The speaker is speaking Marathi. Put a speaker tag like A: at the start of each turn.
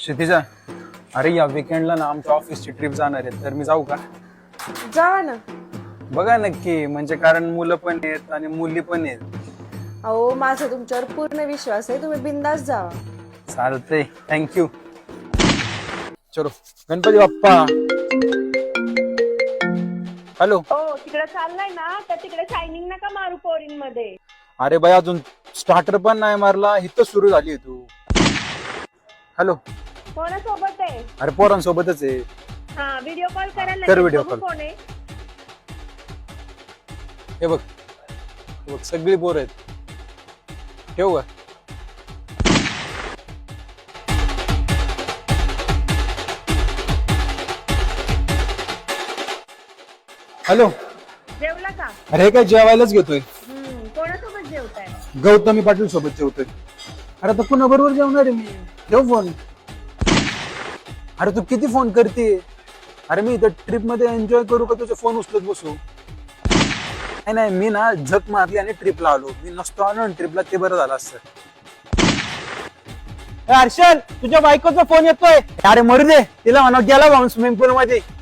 A: क्षितिजा, अरे या विकेंडला ना आमच्या ऑफिसची ट्रिप जाणार आहे, तर मी जाऊ का?
B: जावा ना.
A: बघा नक्की, म्हणजे कारण मुलं पण आहेत आणि मुली पण आहेत.
B: अहो माझा तुमच्यावर पूर्ण विश्वास आहे, तुम्ही बिंदास जावा.
A: चालतंय, थँक्यू. चलो, गणपती बाप्पा. हॅलो.
C: हो तिकडे चाललाय ना, तर तिकडे शायनिंग नका मारू पोरीन मध्ये.
A: अरे बाई, अजून स्टार्टर पण नाही मारला, इथं सुरू झाली तू. हॅलो.
C: कोणासोबत आहे?
A: अरे पोरांसोबतच आहे.
C: हा व्हिडिओ कॉल करायला
A: कर
C: लागेल.
A: video
C: बघू
A: call.
C: कोण आहे?
A: हे बघ, हे बघ सगळी पोरं आहेत. ठेवू का? हॅलो.
C: जेवला का?
A: अरे काय जेवायलाच घेतोय.
C: कोणासोबत जेवताय?
A: गौतमी पाटील सोबत जेवतोय. अरे तर पुन्हा बरोबर जेवणार आहे मी. ठेव फोन. अरे तू किती फोन करते? अरे मी इथं ट्रिप मध्ये एन्जॉय करू का तुझा फोन उचलत बसू? नाही नाही, मी ना झक मारली आणि ट्रिपला आलो. मी नसतो आलो ना ट्रिपला, ते बरं झालं असतं. हर्षल, तुझ्या बायकोचा फोन येतोय. अरे मरू दे, तिला म्हणा गेला भाऊन स्विमिंग पूल मध्ये.